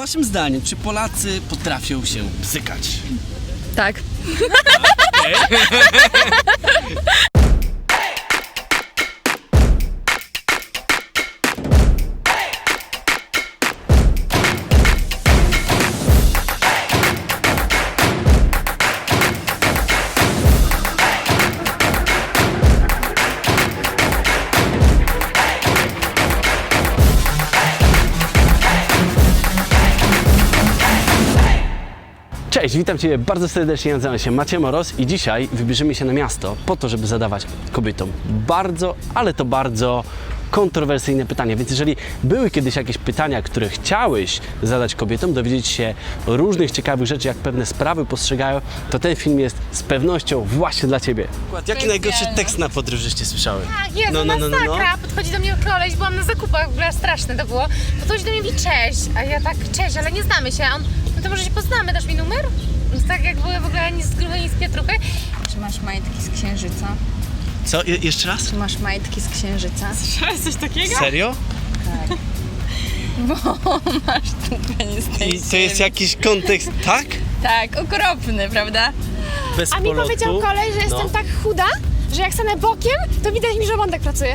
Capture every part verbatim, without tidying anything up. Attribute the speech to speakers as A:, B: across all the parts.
A: waszym zdaniem, czy Polacy potrafią się bzykać?
B: Tak.
A: Cześć, witam Cię bardzo serdecznie, nazywam się Maciej Moros i dzisiaj wybierzemy się na miasto po to, żeby zadawać kobietom bardzo, ale to bardzo kontrowersyjne pytania. Więc jeżeli były kiedyś jakieś pytania, które chciałeś zadać kobietom, dowiedzieć się różnych ciekawych rzeczy, jak pewne sprawy postrzegają, to ten film jest z pewnością właśnie dla Ciebie. Jaki najgorszy tekst na podróż żeście słyszały?
C: Tak, Jezu, no, no, no, masakra. No. Podchodzi do mnie koleś, byłam na zakupach, w ogóle straszne to było. Podchodzi do mnie i mówi cześć, a ja tak cześć, ale nie znamy się. A on, no to może się poznamy, dasz mi numer? Więc tak jak były w ogóle ani z gruby, ani z pietruchy.
D: Czy masz majtki z księżyca?
A: Co? Je jeszcze raz?
D: Czy masz majtki z księżyca?
C: Słyszałeś coś takiego?
A: Serio?
D: Tak. Bo masz ten penis tej
A: I to jest jakiś kontekst, tak?
D: Tak, okropny, prawda?
A: Bez
C: A mi
A: polotu.
C: powiedział kolej, że jestem
A: No.
C: tak chuda, że jak stanę bokiem, to widać mi, że żołądek pracuje.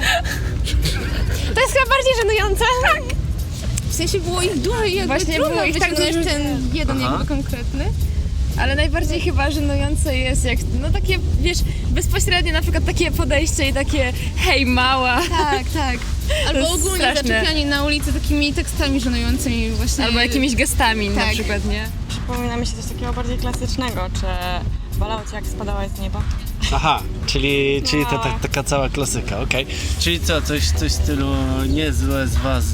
C: To jest chyba bardziej żenujące. Tak.
D: W sensie było ich dużo i jakby
B: Właśnie
D: trudno
B: było ich tak
D: wyciągnąć
B: dużo.
D: ten jeden
A: Aha.
D: jakby konkretny. Ale najbardziej chyba żenujące jest jak, no takie, wiesz, bezpośrednie na przykład takie podejście i takie hej mała.
B: Tak, tak.
D: Albo
B: jest
D: ogólnie
B: straszne.
D: zaczepianie na ulicy takimi tekstami żenującymi właśnie.
B: Albo jakimiś gestami na
D: Tak.
B: przykład, nie?
E: Przypomina mi się coś takiego bardziej klasycznego, czy bolało cię jak spadałeś z nieba?
A: Aha, czyli, czyli to
E: No.
A: ta, taka cała klasyka, okej. Czyli co, coś, coś w stylu niezłe z was...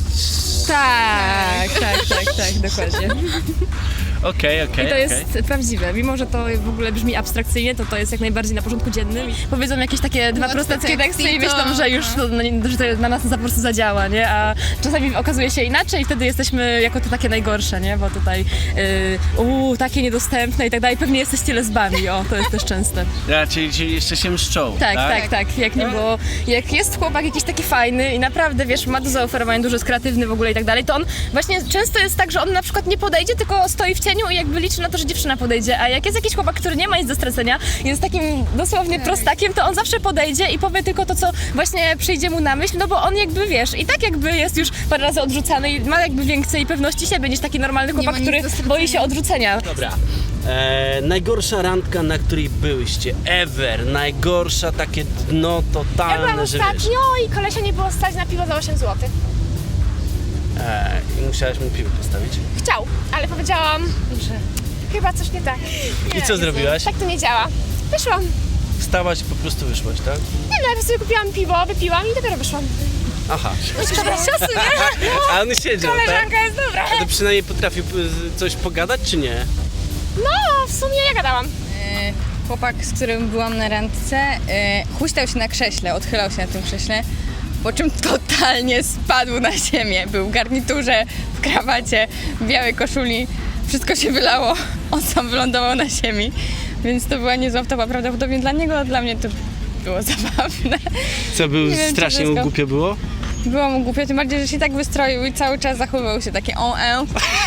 B: Tak, tak, tak, tak, dokładnie.
A: Okej, okej,
B: I to jest
A: okej.
B: prawdziwe. Mimo, że to w ogóle brzmi abstrakcyjnie, to to jest jak najbardziej na porządku dziennym. I powiedzą jakieś takie dwa prostackie
D: tekst
B: teksty i
D: i
B: myślą,
D: to-
B: że już to, no, nie- że to na nas po prostu zadziała, nie? A czasami okazuje się inaczej i wtedy jesteśmy jako to takie najgorsze, nie? Bo tutaj yy, uuu, takie niedostępne i tak dalej. Pewnie jesteście lesbami, o, to jest też częste.
A: Ja, czyli, czyli jeszcze się mszczą,
B: Tak, tak, tak, jak nie było, jak jest chłopak jakiś taki fajny i naprawdę, wiesz, ma do zaoferowania, dużo jest kreatywny w ogóle i tak dalej, to on właśnie często jest tak, że on na przykład nie podejdzie, tylko stoi w cieniu i jakby liczy na to, że dziewczyna podejdzie, a jak jest jakiś chłopak, który nie ma nic do stracenia, jest takim dosłownie prostakiem, to on zawsze podejdzie i powie tylko to, co właśnie przyjdzie mu na myśl, no bo on jakby, wiesz, i tak jakby jest już parę razy odrzucany i ma jakby więcej pewności siebie niż taki normalny chłopak,
D: ma nic
B: który
D: do stracenia.
B: boi się odrzucenia.
A: Dobra. E, najgorsza randka, na której byłyście ever, najgorsza takie dno
C: Ja
A: totalne,
C: byłam
A: że wiesz.
C: ostatnio i kolesia nie było stać na piwo za osiem złotych.
A: E, I musiałaś mu piwo postawić.
C: Chciał, ale powiedziałam, że chyba coś nie tak.
A: I co zrobiłaś?
C: Tak to nie działa. Wyszłam.
A: Wstałaś i po prostu wyszłaś, tak?
C: Nie no, ja sobie kupiłam piwo, wypiłam i dopiero wyszłam.
A: Aha.
C: Dobra, ciosy, nie?
A: A on siedział, tak?
C: Koleżanka jest dobra.
A: A to przynajmniej potrafił y, coś pogadać, czy nie?
C: No, w sumie ja gadałam.
D: E, Chłopak, z którym byłam na randce, e, huśtał się na krześle, odchylał się na tym krześle, po czym totalnie spadł na ziemię. Był w garniturze, w krawacie, w białej koszuli, wszystko się wylało, on sam wylądował na ziemi, więc to była niezła wtopa prawdopodobnie dla niego, a dla mnie to było zabawne.
A: Co, był
D: Nie wiem, czy
A: strasznie mu
D: wszystko.
A: głupio było?
D: Było mu głupio, tym bardziej, że się tak wystroił i cały czas zachowywał się takie o e.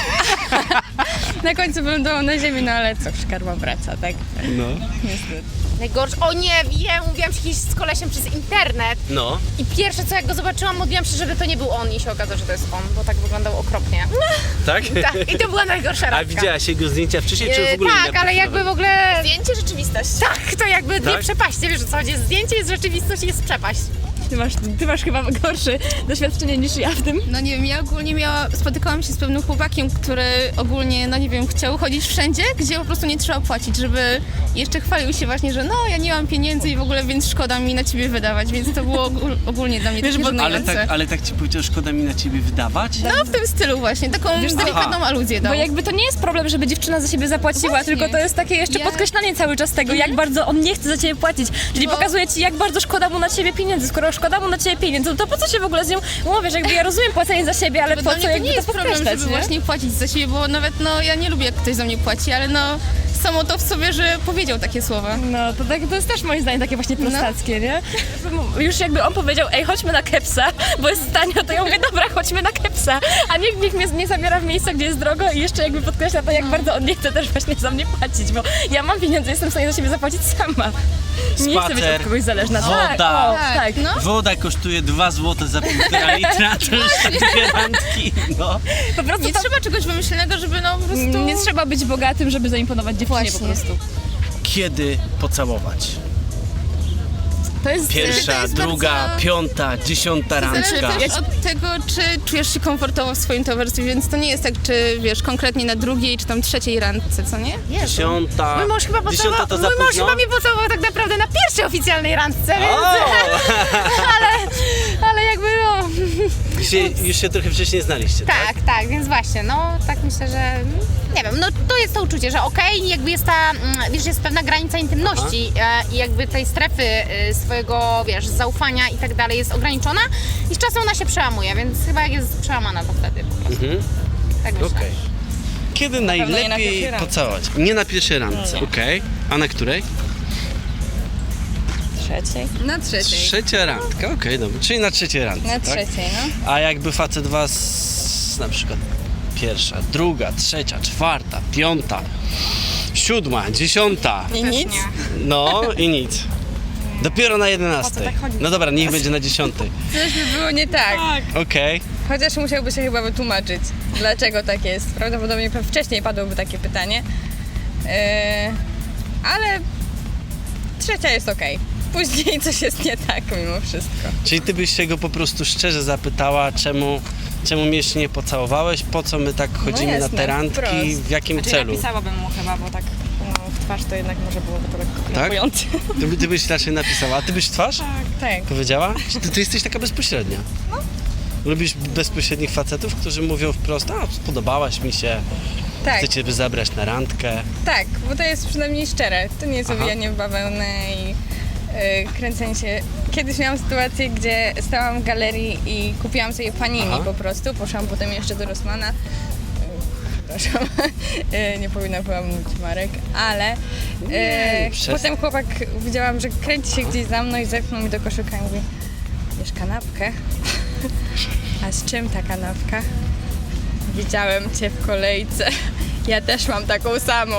D: Na końcu wylądował na ziemi, no ale cóż, karma wraca, tak?
A: No.
D: Niestety.
C: Najgorsze, o nie wiem, mówiłam się kiedyś z kolesiem przez internet
A: No.
C: i pierwsze co jak go zobaczyłam, modliłam się, żeby to nie był on i się okazało, że to jest on, bo tak wyglądał okropnie.
A: Tak?
C: Tak, i to była najgorsza
A: A
C: randka.
A: widziałaś jego zdjęcia wcześniej, czy w
C: Yy,
A: ogóle
C: tak,
A: nie
C: ale jakby w ogóle...
E: Zdjęcie, rzeczywistość.
C: Tak, to jakby dwie
A: Tak?
C: przepaście, wiesz o co chodzi, zdjęcie jest rzeczywistość i jest przepaść.
B: Ty masz, ty masz chyba gorsze doświadczenie niż ja w tym.
D: No nie wiem, ja ogólnie miała, spotykałam się z pewnym chłopakiem, który ogólnie, no nie wiem, chciał chodzić wszędzie, gdzie po prostu nie trzeba płacić, żeby jeszcze chwalił się właśnie, że no ja nie mam pieniędzy i w ogóle, więc szkoda mi na ciebie wydawać, więc to było ogól, ogólnie dla mnie
B: Wiesz,
D: takie
B: bo-
A: Ale
D: żenujące.
A: tak, ale tak ci powiedział, szkoda mi na ciebie wydawać?
D: No w tym stylu właśnie, taką
B: Wiesz co?
D: delikatną
A: Aha.
D: aluzję dał.
B: Bo jakby to nie jest problem, żeby dziewczyna za siebie zapłaciła,
D: Właśnie.
B: tylko to jest takie jeszcze
D: Ja-
B: podkreślanie cały czas tego, jak bardzo on nie chce za ciebie płacić. Czyli
D: Bo-
B: pokazuje ci, jak bardzo szkoda mu na ciebie pieniędzy. Skoro szkoda mu na ciebie pieniędzy, to po co się w ogóle z nią umawiasz? Jakby ja rozumiem płacenie za siebie, ale
D: Bo
B: po
D: dla
B: co
D: mnie to
B: jakby
D: nie jest
B: to
D: problem,
B: podkreślać,
D: żeby
B: nie?
D: właśnie płacić za siebie, bo nawet no ja nie lubię jak ktoś za mnie płaci, ale no samo to w sobie, że powiedział takie słowa.
B: No, to, tak, to jest też moim zdaniem takie właśnie prostackie, nie? Już jakby on powiedział, ej, chodźmy na kepsa, bo jest tanio, to ja mówię, dobra, chodźmy na kepsa, a nikt, nikt mnie nie zabiera w miejsca, gdzie jest drogo i jeszcze jakby podkreśla to, jak bardzo on nie chce też właśnie za mnie płacić, bo ja mam pieniądze, jestem w stanie za siebie zapłacić sama. Nie chcę być od kogoś zależna.
A: woda.
B: Tak, o,
D: Tak,
B: tak.
D: no.
A: Woda kosztuje dwa złote za półtora litra, to już tak dwie randki, no.
B: Po prostu
D: Nie
B: to,
D: trzeba czegoś wymyślonego, żeby no po prostu...
B: nie trzeba być bogatym, żeby zaimponować dziewczynie po
D: Właśnie.
B: prostu.
A: Kiedy pocałować?
B: To jest...
A: Pierwsza,
D: to jest
A: druga,
D: bardzo-
A: piąta, dziesiąta
D: Zależy
A: randka.
D: też od tego, czy czujesz się komfortowo w swoim towarzystwie, więc to nie jest tak, czy wiesz, konkretnie na drugiej, czy tam trzeciej randce, co nie?
A: Dziesiąta.
C: Mój mąż chyba
A: Dziesiąta
C: pocałował,
A: to za
C: mój mąż
A: późno?
C: chyba mnie pocałował tak naprawdę na pierwszej oficjalnej randce, więc...
A: O!
C: Ale jakby no...
A: Już się, już się trochę wcześniej znaliście, tak?
C: Tak, tak, więc właśnie, no tak myślę, że nie wiem, no to jest to uczucie, że okej, jakby jest ta, mm, wiesz, jest pewna granica intymności e, i jakby tej strefy e, swojego, wiesz, zaufania i tak dalej jest ograniczona i z czasem ona się przełamuje, więc chyba jak jest przełamana, to wtedy po prostu,
A: Mhm.
C: tak myślę.
A: Okej. Kiedy
E: pewno nie na
A: najlepiej
E: pierwszej randce.
A: pocałować? Nie na pierwszej randce, okej. A na której?
E: Trzeciej.
D: Na trzeciej.
A: Trzecia randka, okej, dobra. Czyli na trzeciej randce,
D: Na
A: tak?
D: trzeciej, no.
A: A jakby facet was na przykład pierwsza, druga, trzecia, czwarta, piąta, siódma, dziesiąta,
D: I nic?
A: no i nic. Dopiero na jedenastej.
E: tak chodzi?
A: No dobra, niech będzie na dziesiątej.
D: Coś by było nie tak.
A: Okej.
D: Chociaż musiałby się chyba wytłumaczyć, dlaczego tak jest. Prawdopodobnie pe- wcześniej padłoby takie pytanie. Yy, ale trzecia jest okej. Później coś jest nie tak mimo wszystko.
A: Czyli ty byś się go po prostu szczerze zapytała, czemu, czemu mnie jeszcze nie pocałowałeś, po co my tak chodzimy na
D: jasne,
A: te randki,
D: wprost.
A: w jakim
E: Znaczy
A: celu?
E: napisałabym mu chyba, bo tak no, w twarz to jednak może byłoby to lekko
A: Tak?
E: krępujące.
A: Ty, by- ty byś raczej napisała, a ty byś w twarz
D: Tak.
A: powiedziała? Czy ty, ty jesteś taka bezpośrednia? No. Lubisz bezpośrednich facetów, którzy mówią wprost, a spodobałaś mi się,
D: Tak,
A: chcę cię zabrać na randkę.
D: tak, bo to jest przynajmniej szczere. To nie jest
A: Aha.
D: owijanie w bawełnę i yy, kręcenie się. Kiedyś miałam sytuację, gdzie stałam w galerii i kupiłam sobie panini
A: Aha.
D: po prostu. Poszłam potem jeszcze do Rossmana. Yy, Przepraszam, yy, nie powinna była mówić marek, ale yy,
A: przestań.
D: potem chłopak widziałam, że kręci się gdzieś za mną i zepchnął mi do koszyka i mówi: bierz kanapkę. A z czym ta kanapka? Widziałem cię w kolejce. Ja też mam taką samą.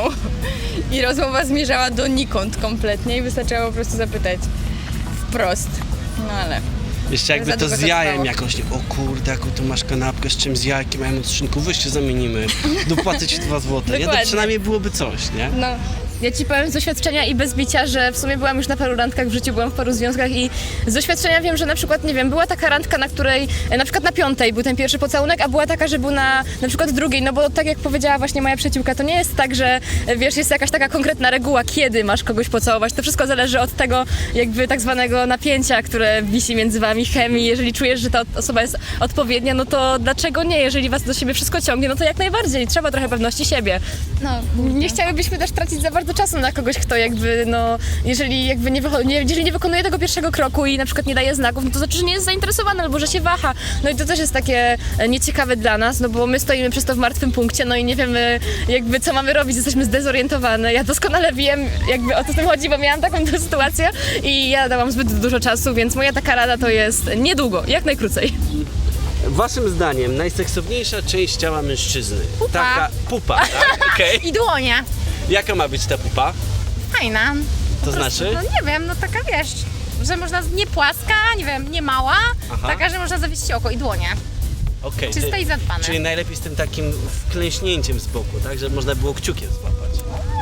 D: I rozmowa zmierzała donikąd kompletnie i wystarczyło po prostu zapytać wprost. No ale
A: Jeszcze jakby
D: za
A: to
D: długo
A: z
D: to
A: jajem
D: trwało.
A: jakoś, nie, o kurde, jaką tu masz kanapkę, z czym z jajkiem, ja mam od szynku, weź się zamienimy, dopłacę ci dwa złote, nie? To
D: Dokładnie.
A: przynajmniej byłoby coś, nie?
D: no,
B: Ja ci powiem z doświadczenia i bez bicia, że w sumie byłam już na paru randkach w życiu, byłam w paru związkach i z doświadczenia wiem, że na przykład, nie wiem, była taka randka, na której, e, na przykład na piątej był ten pierwszy pocałunek, a była taka, że był na na przykład drugiej, no bo tak jak powiedziała właśnie moja przyjaciółka, to nie jest tak, że e, wiesz, jest jakaś taka konkretna reguła, kiedy masz kogoś pocałować, to wszystko zależy od tego jakby tak zwanego napięcia, które wisi między wami, chemii, jeżeli czujesz, że ta osoba jest odpowiednia, no to dlaczego nie, jeżeli was do siebie wszystko ciągnie, no to jak najbardziej, trzeba trochę pewności siebie.
D: no,
B: Nie chciałybyśmy też tracić za bardzo czasu na kogoś, kto jakby, no, jeżeli jakby nie, wycho- nie, jeżeli nie wykonuje tego pierwszego kroku i na przykład nie daje znaków, no to znaczy, że nie jest zainteresowany albo że się waha. No i to też jest takie e, nieciekawe dla nas, no bo my stoimy przez to w martwym punkcie, no i nie wiemy jakby co mamy robić, jesteśmy zdezorientowane. Ja doskonale wiem jakby o co w tym chodzi, bo miałam taką tę sytuację i ja dałam zbyt dużo czasu, więc moja taka rada to jest niedługo, jak najkrócej.
A: Waszym zdaniem najseksowniejsza część ciała mężczyzny?
C: Pupa.
A: Taka pupa, tak? Okej.
C: I dłonie.
A: Jaka ma być ta pupa?
C: Fajna.
A: To
C: Po prostu,
A: znaczy?
C: No nie wiem, no taka wiesz, że można, nie płaska, nie wiem, nie mała,
A: Aha.
C: taka, że można zawiesić oko i dłonie.
A: Okej.
C: Czyste
A: ty-
C: i zadbane.
A: Czyli najlepiej z tym takim wklęśnięciem z boku, tak? Żeby można było kciukiem złapać.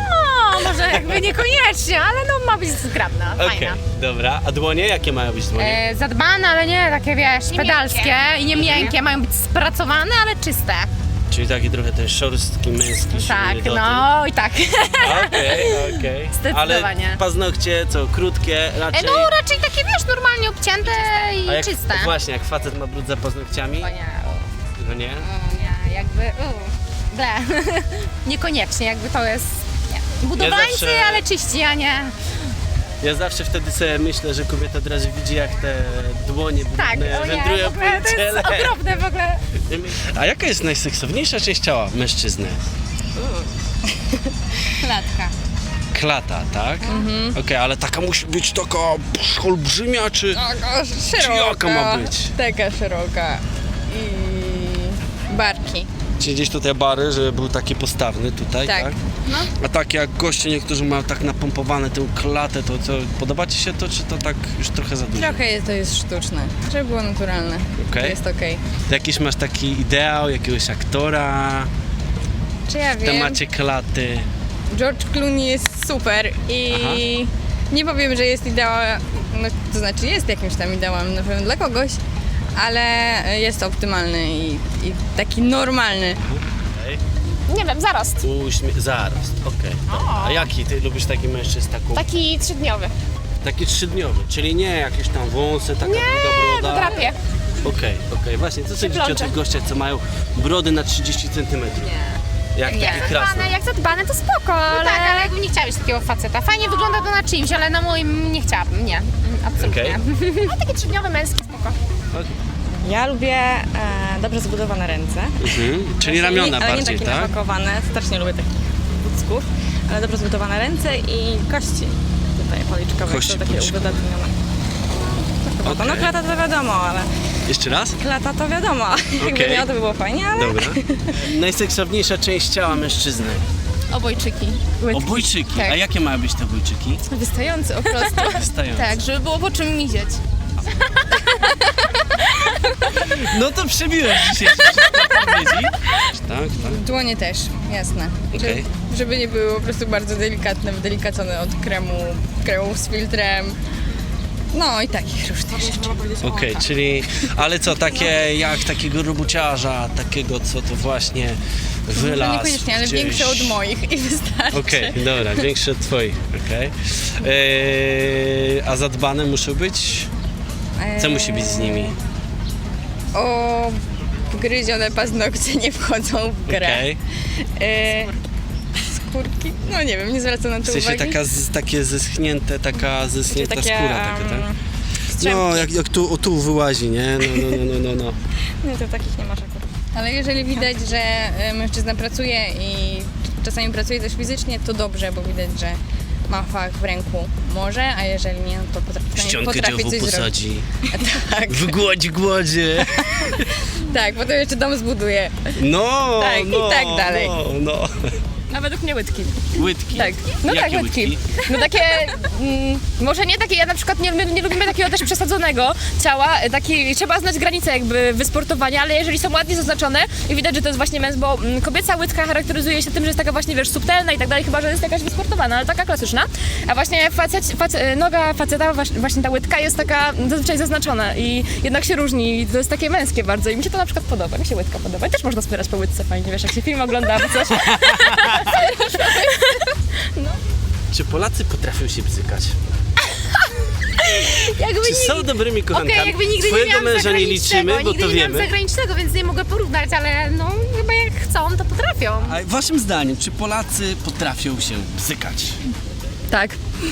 C: No, może jakby niekoniecznie, ale no ma być zgrabna,
A: Okej,
C: fajna.
A: dobra. A dłonie? Jakie mają być dłonie?
C: E, zadbane, ale nie takie wiesz,
B: Nie
C: pedalskie
B: miękkie.
C: i nie miękkie, mają być spracowane, ale czyste.
A: Czyli taki trochę ten szorstki, męski,
C: Tak,
A: silny dotyk.
C: no i tak.
A: Okej, okej.
B: Zdecydowanie.
A: Ale paznokcie co, krótkie,
C: E,
A: raczej...
C: no raczej takie wiesz, normalnie obcięte i
A: A jak,
C: czyste.
A: Właśnie, jak facet ma brud za paznokciami,
C: O nie, o,
A: no nie?
C: o nie, jakby, u, ble. Niekoniecznie, jakby to jest, nie. Budowlańcy,
A: zawsze-
C: ale czyści, a nie.
A: Ja zawsze wtedy sobie myślę, że kobieta od razu widzi, jak te dłonie
C: Tak,
A: brudne
C: o nie,
A: wędrują
C: w ogóle
A: po
C: to
A: ciele.
C: jest okropne w ogóle.
A: A jaka jest najseksowniejsza część ciała mężczyzny?
D: Klatka.
A: Klata, tak?
D: Mhm.
A: Okej, ale taka musi być taka psz, olbrzymia, czy...
D: Taka szeroka.
A: jaka ma być?
D: Taka szeroka. I barki.
A: Czy gdzieś tutaj bary, żeby był taki postawny tutaj, tak?
D: Tak. No.
A: A tak jak goście niektórzy mają tak napompowane tę klatę, to co, podoba Ci się to, czy to tak już trochę za dużo?
D: Trochę jest, to jest sztuczne, żeby było naturalne.
A: Okej.
D: To jest okej.
A: Jakiś masz taki ideał, jakiegoś aktora
D: Czy ja
A: w
D: wiem?
A: temacie klaty?
D: George Clooney jest super i
A: Aha.
D: nie powiem, że jest ideałem, no, to znaczy jest jakimś tam ideałem na pewno dla kogoś, ale jest optymalny i, i taki normalny.
B: Nie wiem, zarost.
A: Uśmie- zarost, okej. dobra. A jaki? Ty lubisz taki mężczyzn taką?
B: Taki trzydniowy.
A: Taki trzydniowy, czyli nie jakieś tam wąsy, taka długa
B: Nie,
A: broda.
B: to drapie.
A: Okej, okej. Właśnie, co sądzicie o
B: plącze.
A: tych gościach, co mają brody na trzydzieści centymetrów? Nie. Jak takie krasne.
B: Zadbane, jak zadbane, to spoko,
C: No
B: ale...
C: tak, ale jakby nie chciała mieć takiego faceta. Fajnie wygląda to na czymś, ale na moim nie chciałabym, nie. Mm, Absolutnie.
A: Okej.
B: A taki trzydniowy, męski, spoko.
E: Ja lubię e, dobrze zbudowane ręce.
A: Mhm. Czyli
E: Znaczy,
A: ramiona
E: nie, ale nie
A: bardziej,
E: takie
A: tak?
E: napakowane, strasznie lubię takich bucków, ale dobrze zbudowane ręce i kości tutaj policzkowe,
A: Kości
E: są takie
A: policzkowe.
E: uwydatnione. To chyba to. No
A: Okej.
E: klata to wiadomo, ale
A: Jeszcze raz?
E: klata to wiadomo. Jakby
A: Okej.
E: miała, to by było fajnie, ale
A: Dobra. Najseksowniejsza część ciała mężczyzny.
B: Obojczyki.
A: Obojczyki.
B: Tak.
A: A jakie mają być te obojczyki?
B: Wystający po prostu.
A: Wystające.
B: Tak, żeby było po czym mizieć.
A: No to przebiłeś dzisiejsze wszystkie odpowiedzi. Tak, tak.
D: Dłonie też, jasne.
A: Okej.
D: Żeby, żeby nie były po prostu bardzo delikatne, wydelikacone od kremu, kremów z filtrem. No i takich różnych rzeczy.
A: Okej, czyli, ale co, takie jak takiego robuciarza, takiego co to właśnie
D: Może
A: wylazł
D: niekoniecznie, ale
A: gdzieś.
D: większe od moich i wystarczy.
A: Okej, dobra, większe od twoich, okej. Eee, a zadbane muszą być? Co musi być z nimi?
D: O, gryzione paznokcie nie wchodzą w grę.
A: Okej.
D: E, skórki? No nie wiem, nie zwracam na to
A: W sensie
D: uwagi.
A: taka z, takie zeschnięte, taka zeschnięta
E: takie,
A: skóra taka, tak?
E: um,
A: No, jak, jak tu, o, tu wyłazi, nie? No, no, no, no, no, no.
E: nie, to takich nie masz akurat.
D: Ale jeżeli widać, że e, mężczyzna pracuje i czasami pracuje też fizycznie, to dobrze, bo widać, że ma fach w ręku. Może, a jeżeli nie, no to potrafi,
A: Ściankę
D: potrafi
A: dziobu
D: coś zrobić.
A: posadzi,
D: Tak,
A: wygłodzi głodzie.
D: tak, potem jeszcze dom zbuduje.
A: No,
D: Tak, i
A: no,
D: tak dalej.
A: No, no.
B: A według mnie łydki.
A: Łydki.
B: Tak, no
A: Jakie
B: tak, łydki. No takie, mm, może nie takie, ja na przykład nie, my nie lubimy takiego też przesadzonego ciała, taki, trzeba znać granice jakby wysportowania, ale jeżeli są ładnie zaznaczone i widać, że to jest właśnie męs, bo mm, kobieca łydka charakteryzuje się tym, że jest taka właśnie, wiesz, subtelna i tak dalej, chyba, że jest jakaś wysportowana, ale taka klasyczna, a właśnie facet, facet, noga faceta, właśnie właśnie ta łydka jest taka zazwyczaj zaznaczona i jednak się różni i to jest takie męskie bardzo i mi się to na przykład podoba, mi się łydka podoba i też można wspierać po łydce fajnie, wiesz, jak się film ogląda albo coś.
A: Czy Polacy potrafią się bzykać?
C: Jakby
A: Czy
C: nie-
A: są dobrymi kochankami?
C: Okej, jakby nigdy nie
A: Twojego
C: miałam
A: męża nie
C: zagranicznego,
A: liczymy, bo
C: nigdy
A: to
C: nie miałam
A: wiemy.
C: zagranicznego, więc nie mogę porównać, ale no chyba jak chcą, to potrafią.
A: A waszym zdaniem, czy Polacy potrafią się bzykać?
B: Tak.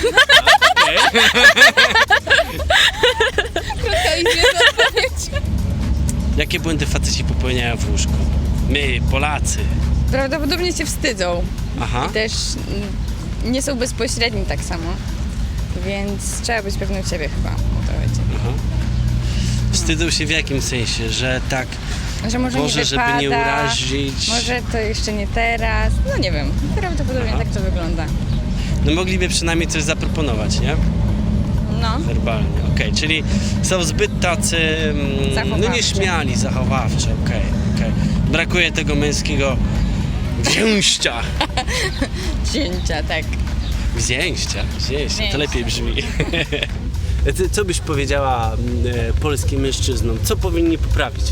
A: Jakie błędy faceci popełniają w łóżku? My, Polacy.
D: Prawdopodobnie się wstydzą.
A: Aha.
D: Też mm, nie są bezpośredni tak samo. Więc trzeba być pewnym siebie chyba. O to chodzi.
A: Aha. Wstydzą się w jakim sensie? Że tak,
D: Że może
A: Boże,
D: nie
A: żeby
D: wypada,
A: nie urazić.
D: może to jeszcze nie teraz. No nie wiem. Prawdopodobnie
A: Aha.
D: tak to wygląda.
A: no mogliby przynajmniej coś zaproponować, nie?
D: No.
A: Werbalnie, okej, czyli są zbyt tacy, mm, no
D: Zachowawczy.
A: nieśmiali, zachowawczy, okej, okej. Brakuje tego męskiego wzięścia.
D: Cięcia, tak.
A: Wzięścia, wzięścia, to
D: Wzięścia.
A: lepiej brzmi. Ty, co byś powiedziała mm, e, polskim mężczyznom? Co powinni poprawić?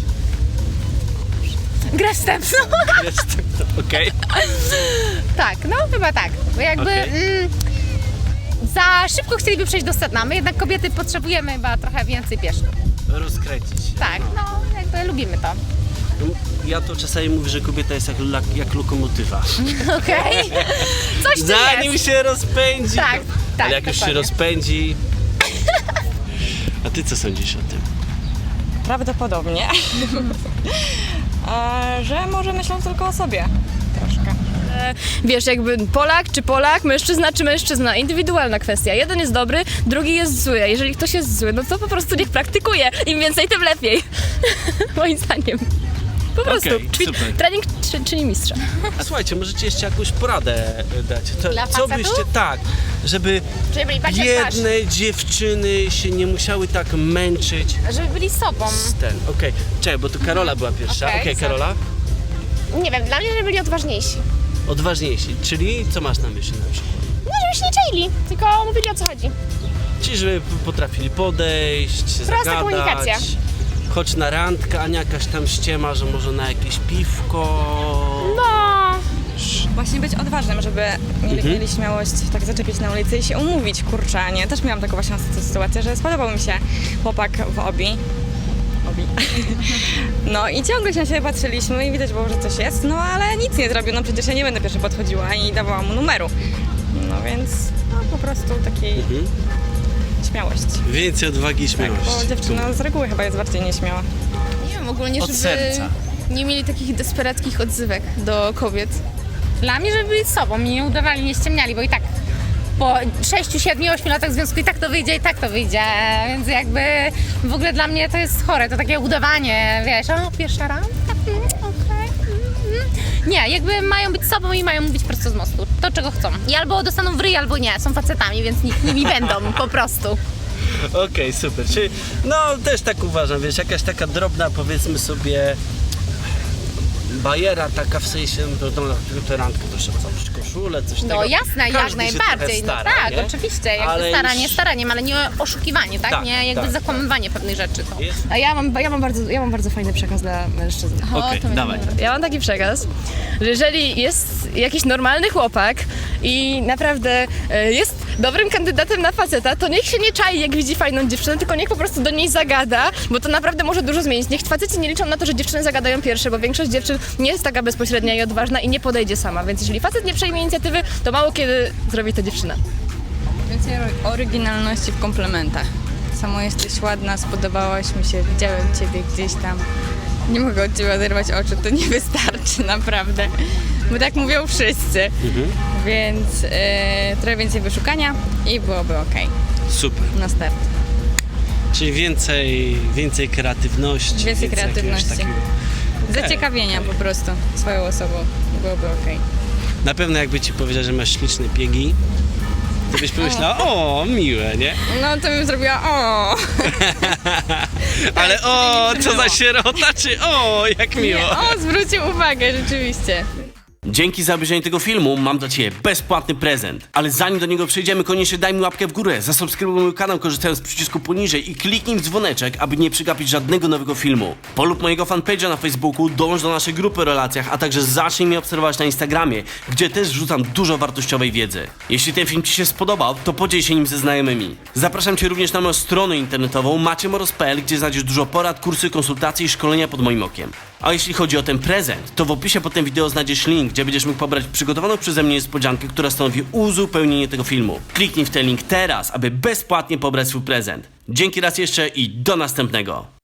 B: Grę wstępną.
A: Jestem to, okej?
C: Tak, no chyba tak. Bo jakby
A: Okej.
C: mm, za szybko chcieliby przejść do sedna. My jednak kobiety potrzebujemy chyba trochę więcej pieszych.
A: Rozkręcić się.
C: Tak, no jakby lubimy to.
A: No, ja to czasami mówię, że kobieta jest jak, lak- jak lokomotywa.
C: Okej? Coś tu
A: Zanim
C: jest.
A: się rozpędzi.
C: Tak,
A: to,
C: tak,
A: Ale jak już się
C: dokładnie.
A: rozpędzi. A ty co sądzisz o tym?
E: Prawdopodobnie. A, że może myślą tylko o sobie. Troszkę.
B: że wiesz, jakby Polak czy Polak, mężczyzna czy mężczyzna, indywidualna kwestia. Jeden jest dobry, drugi jest zły, a jeżeli ktoś jest zły, no to po prostu niech praktykuje. Im więcej, tym lepiej. Moim zdaniem. Po prostu.
A: Okej,
B: Ćwi-
A: super.
B: trening czy, czyni mistrza.
A: A słuchajcie, możecie jeszcze jakąś poradę dać. To,
C: Dla
A: co
C: facetów?
A: byście tak, żeby
B: Żeby byli patrzeć w twarz.
A: biedne dziewczyny się nie musiały tak męczyć
C: Żeby byli sobą.
A: z ten. Okej, czekaj, bo tu Karola była pierwsza. Okej,
C: Okej,
A: Karola?
F: Nie wiem, dla mnie, żeby byli odważniejsi.
A: Odważniejsi, czyli co masz na myśli na przykład?
F: No, żeby się nie czaili, tylko mówili o co chodzi.
A: Czyli żeby potrafili podejść, zagadać.
F: komunikacja.
A: Choć na randkę, a nie jakaś tam ściema, że może na jakieś piwko.
F: No,
E: Właśnie być odważnym, żeby mieli,
A: Mhm.
E: mieli śmiałość tak zaczepić na ulicy i się umówić, kurczę, a nie? Też miałam taką właśnie sytuację, że spodobał mi się chłopak w Obi. Obi. No i ciągle się na siebie patrzyliśmy i widać było, że coś jest, no ale nic nie zrobił, no przecież ja nie będę pierwsza podchodziła i dawała mu numeru. No więc no, po prostu takiej
A: Mhm.
E: śmiałość.
A: Więcej odwagi i
E: Tak,
A: śmiałości.
E: bo dziewczyna z reguły chyba jest bardziej nieśmiała.
B: Nie wiem, ogólnie,
A: Od
B: żeby
A: serca.
B: nie mieli takich desperackich odzywek do kobiet.
C: Dla mnie, żeby byli sobą i nie udawali, nie ściemniali, bo i tak po sześciu, siedmiu, ośmiu latach związku i tak to wyjdzie, i tak to wyjdzie, więc jakby w ogóle dla mnie to jest chore, to takie udawanie, wiesz, o, pierwsza randka, mm, okej, mm, mm. Nie, jakby mają być sobą i mają mówić prosto z mostu, to czego chcą. I albo dostaną w ryj, albo nie, są facetami, więc nikt nimi będą, po prostu.
A: Okej, super. Czyli no też tak uważam, wiesz, jakaś taka drobna, powiedzmy sobie, bajera taka w sensie, no to na przykład tę randkę to trzeba założyć koszulę, coś
C: No
A: tego.
C: jasne, jak
A: Każdy się trochę
C: najbardziej,
A: stara,
C: no tak,
A: nie?
C: oczywiście, jakby
A: Ale
C: staranie
A: już-
C: staraniem, ale nie oszukiwanie, tak?
A: Tak,
C: nie jakby
A: tak,
C: zakłamywanie pewnych rzeczy. To.
A: Jest?
B: A ja mam, ja mam, bardzo, ja mam bardzo fajny przekaz dla mężczyzn.
A: Okej, dawaj.
B: Ja mam taki przekaz, że jeżeli jest jakiś normalny chłopak i naprawdę e, jest dobrym kandydatem na faceta, to niech się nie czai, jak widzi fajną dziewczynę, tylko niech po prostu do niej zagada, bo to naprawdę może dużo zmienić. Niech faceci nie liczą na to, że dziewczyny zagadają pierwsze, bo większość dziewczyn nie jest taka bezpośrednia i odważna i nie podejdzie sama, więc jeżeli facet nie przejmie inicjatywy, to mało kiedy zrobi to dziewczyna.
D: Więcej ro- oryginalności w komplementach. Samo jesteś ładna, spodobałaś mi się, widziałem ciebie gdzieś tam. Nie mogę od ciebie oderwać oczu, to nie wystarczy naprawdę. Bo tak mówią wszyscy.
A: Mhm.
D: Więc e, trochę więcej wyszukania i byłoby ok
A: Super.
D: na start.
A: Czyli więcej, więcej kreatywności.
D: Więcej
A: jakiegoś
D: kreatywności.
A: takiego- Okej,
D: Zaciekawienia
A: okej.
D: po prostu swoją osobą byłoby ok.
A: Na pewno jakby ci powiedział, że masz śliczne piegi, to byś pomyślała, o, miłe, nie?
D: No to bym zrobiła o.
A: Ale o, co za sierota, czy o, jak miło.
D: O, zwrócił uwagę, rzeczywiście.
A: Dzięki za obejrzenie tego filmu mam dla Ciebie bezpłatny prezent. Ale zanim do niego przejdziemy, koniecznie daj mi łapkę w górę, zasubskrybuj mój kanał korzystając z przycisku poniżej i kliknij w dzwoneczek, aby nie przegapić żadnego nowego filmu. Polub mojego fanpage'a na Facebooku, dołącz do naszej grupy o relacjach, a także zacznij mnie obserwować na Instagramie, gdzie też wrzucam dużo wartościowej wiedzy. Jeśli ten film Ci się spodobał, to podziel się nim ze znajomymi. Zapraszam Cię również na moją stronę internetową maciemoros kropka p l, gdzie znajdziesz dużo porad, kursy, konsultacje i szkolenia pod moim okiem. A jeśli chodzi o ten prezent, to w opisie pod tym wideo znajdziesz link, gdzie będziesz mógł pobrać przygotowaną przeze mnie niespodziankę, która stanowi uzupełnienie tego filmu. Kliknij w ten link teraz, aby bezpłatnie pobrać swój prezent. Dzięki raz jeszcze i do następnego.